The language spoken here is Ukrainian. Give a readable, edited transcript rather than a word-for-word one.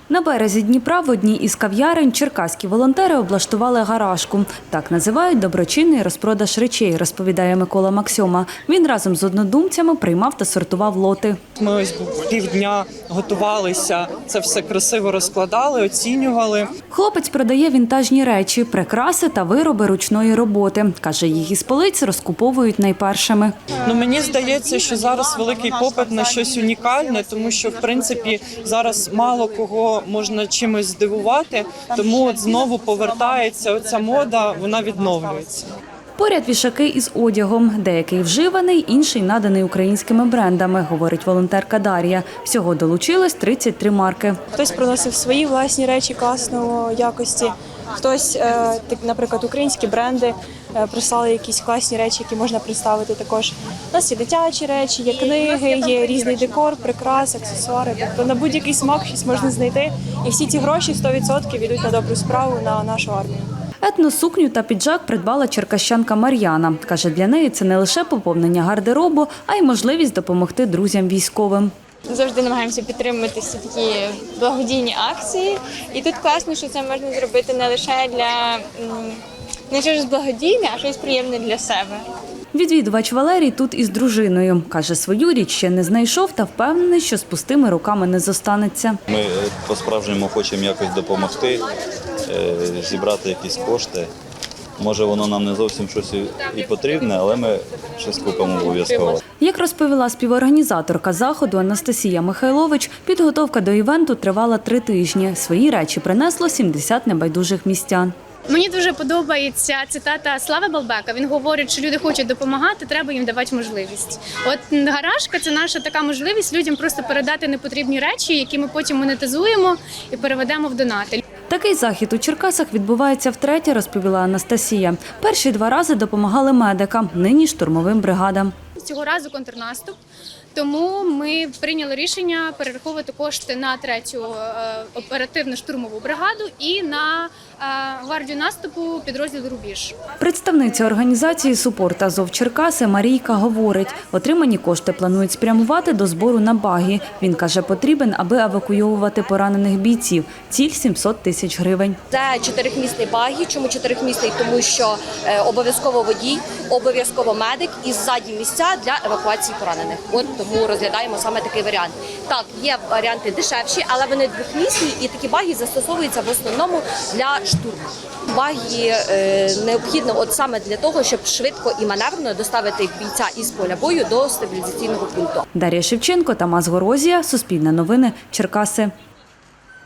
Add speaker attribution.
Speaker 1: На березі Дніпра в одній із кав'ярень черкаські волонтери облаштували гаражку. Так називають доброчинний розпродаж речей, розповідає Микола Максьома. Він разом з однодумцями приймав та сортував лоти.
Speaker 2: Ми ось півдня готувалися, це все красиво розкладали, оцінювали.
Speaker 1: Хлопець продає вінтажні речі, прикраси та вироби ручної роботи. Каже, їх із полиць розкуповують найпершими.
Speaker 2: Мені здається, що зараз великий попит на щось унікальне, тому що, в принципі, зараз мало кого можна чимось здивувати, тому от знову повертається оця мода, вона відновлюється.
Speaker 1: Поряд вішаки із одягом. Деякий вживаний, інший наданий українськими брендами, говорить волонтерка Дар'я. Всього долучилось 33 марки.
Speaker 3: Хтось приносив свої власні речі класної якості, хтось, наприклад, українські бренди прислали якісь класні речі, які можна представити також. У нас є дитячі речі, є книги, є різний декор, прикраси, аксесуари. Тобто на будь-який смак щось можна знайти. І всі ці гроші 100% йдуть на добру справу, на нашу армію.
Speaker 1: Етносукню та піджак придбала черкащанка Мар'яна. Каже, для неї це не лише поповнення гардеробу, а й можливість допомогти друзям військовим.
Speaker 4: Завжди намагаємося підтримувати всі такі благодійні акції. І тут класно, що це можна зробити не лише для не щось благодійне, а щось приємне для себе.
Speaker 1: Відвідувач Валерій тут із дружиною. Каже, свою річ ще не знайшов та впевнений, що з пустими руками не зостанеться.
Speaker 5: Ми по-справжньому хочемо якось допомогти, зібрати якісь кошти. Може, воно нам не зовсім щось і потрібне, але ми щось купимо обов'язково.
Speaker 1: Як розповіла співорганізаторка заходу Анастасія Михайлович, підготовка до івенту тривала 3 тижні. Свої речі принесло 70 небайдужих містян.
Speaker 6: Мені дуже подобається цитата Слави Балбека. Він говорить, що люди хочуть допомагати, треба їм давати можливість. От гаражка – це наша така можливість людям просто передати непотрібні речі, які ми потім монетизуємо і переведемо в донати.
Speaker 1: Такий захід у Черкасах відбувається втретє, розповіла Анастасія. Перші 2 рази допомагали медикам, нині штурмовим бригадам.
Speaker 6: Цього разу контрнаступ, тому ми прийняли рішення перераховувати кошти на 3-ю оперативну штурмову бригаду і на гвардію наступу підрозділ «Рубіж».
Speaker 1: Представниця організації «Супорт Азов Черкаси» Марійка говорить, отримані кошти планують спрямувати до збору на багі. Він каже, потрібен, аби евакуйовувати поранених бійців. Ціль – 700 тисяч гривень.
Speaker 7: Це 4-місний багі. Чому 4-місний? Тому що обов'язково водій, обов'язково медик і ззаді місця для евакуації поранених. От тому розглядаємо саме такий варіант. Так, є варіанти дешевші, але вони 2-місні і такі багі застосовуються в основному для штурму. Багі необхідно от саме для того, щоб швидко і маневрено доставити бійця із поля бою до стабілізаційного пункту.
Speaker 1: Дар'я Шевченко, Тамас Горозія, Суспільне новини, Черкаси.